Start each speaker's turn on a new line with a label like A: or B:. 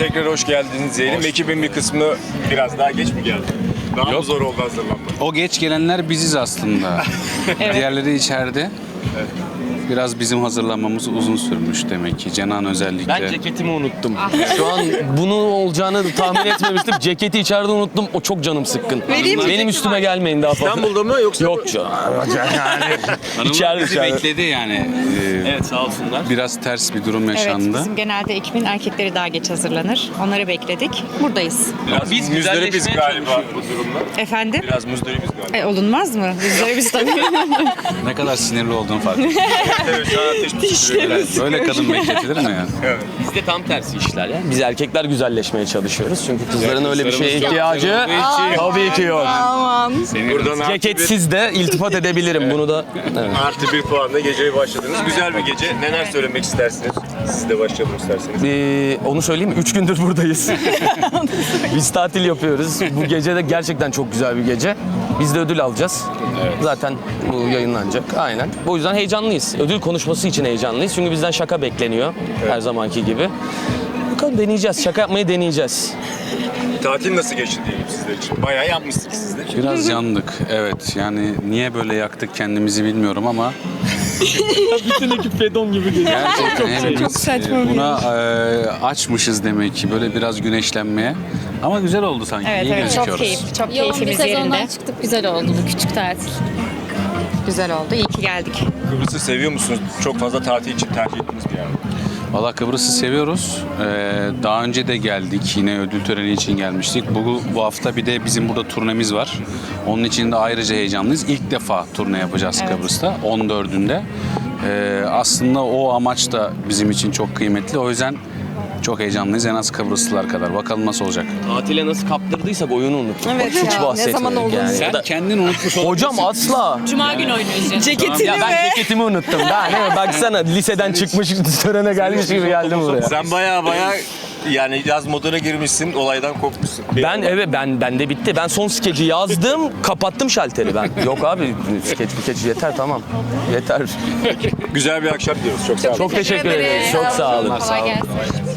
A: tekrar hoş geldiniz diyelim. Ekibin bir kısmı biraz daha geç mi geldi? Daha mı zor oldu hazırlanmak?
B: O geç gelenler biziz aslında. Diğerleri içeride. Biraz bizim hazırlanmamız uzun sürmüş demek ki. Cenan özellikle.
C: Ben ceketimi unuttum. Şu an bunun olacağını tahmin etmemiştim. Ceketi içeride unuttum. O çok canım sıkkın. Benim üstüme gelmeyin daha fazla.
A: İstanbul'da mı yoksa?
C: Yok canım.
B: Hanımlar
C: İçeride,
B: bizi
C: içeride.
B: bekledi yani.
C: Evet sağ olsunlar.
B: Biraz ters bir durum
D: Evet,
B: yaşandı.
D: bizim genelde ekibin erkekleri daha geç hazırlanır. Onları bekledik. Buradayız.
A: Biraz
C: Biz
A: müzdaripiz
C: güzelleşmeye
A: galiba bu durumda.
D: Efendim?
A: Biraz müzdaripiz galiba.
D: Olunmaz mı? Bizleri biz tabii.
B: Ne kadar sinirli olduğunu fark ettim.
A: Evet, şu an ateş püskürüyor.
B: Böyle kadın bekletilir mi yani?
A: Evet.
C: Bizde tam tersi işler ya. Biz erkekler güzelleşmeye çalışıyoruz. Çünkü kızların öyle bir şeye ihtiyacı tabii ki yok.
A: Buradan
C: Ceketsiz de iltifat edebilirim bunu da. Evet.
A: artı bir puanla geceye başladınız. Güzel bir gece. Neler söylemek istersiniz? Siz de başlayalım isterseniz.
C: Onu söyleyeyim mi? 3 gündür buradayız. Biz tatil yapıyoruz. Bu gece de gerçekten çok güzel bir gece. Biz de ödül alacağız. Zaten bu yayınlanacak. Aynen. O yüzden heyecanlıyız. Ödül konuşması için heyecanlıyız. Çünkü bizden şaka bekleniyor. Her zamanki gibi. Bakalım deneyeceğiz. Şaka yapmayı deneyeceğiz.
A: Tatil nasıl geçti diyelim sizler için? Bayağı yapmışsınız siz de.
B: Biraz yandık. Evet yani niye böyle yaktık kendimizi bilmiyorum ama
C: Bütün ekip fedon gibi geliyor.
B: gerçekten hepimiz buna açmışız demek ki böyle biraz güneşlenmeye. Ama güzel oldu sanki.
D: Evet,
B: İyi
D: evet. Çok
B: gözüküyoruz.
D: keyif. Çok
E: Yoğun bir
D: keyfimiz
E: sezondan
D: yerinde.
E: çıktık. Güzel oldu bu küçük tatil.
D: Güzel oldu. İyi ki geldik.
A: Kıbrıs'ı seviyor musunuz? Çok fazla tatil için tercih ettiğiniz bir yer mi?
B: Valla Kıbrıs'ı seviyoruz. Daha önce de geldik. Yine ödül töreni için gelmiştik. Bu hafta bir de bizim burada turnemiz var. Onun için de ayrıca heyecanlıyız. İlk defa turne yapacağız Kıbrıs'ta. 14'ünde. Aslında o amaç da bizim için çok kıymetli. O yüzden çok heyecanlıyız. En az Kıbrıslılar kadar. Bakalım nasıl olacak.
C: Tatile nasıl kaptırdıysak oyunu unuttuk.
D: Evet
C: Bak, hiç
D: ya, ne
C: bahsetmedik
D: zaman oldu?
C: yani.
B: Sen
C: Ya da-
B: kendin unutmuş olabilirsin.
C: Hocam asla.
F: Cuma günü oynuyoruz.
D: Ceketini
C: Ya ben ceketimi unuttum. Daha ne? Baksana liseden çıkmış törene gelmiş gibi geldim buraya.
A: Sen baya yani yaz moduna girmişsin, olaydan kopmuşsun.
C: Ben de bitti. Ben son skeci yazdım, kapattım şalteri ben. Yok abi skeç yeter tamam. Yeter.
A: Güzel bir akşam diyoruz. Çok sağ olun.
C: Çok teşekkür ederiz. Çok sağ olun.
E: Kolay gelsin.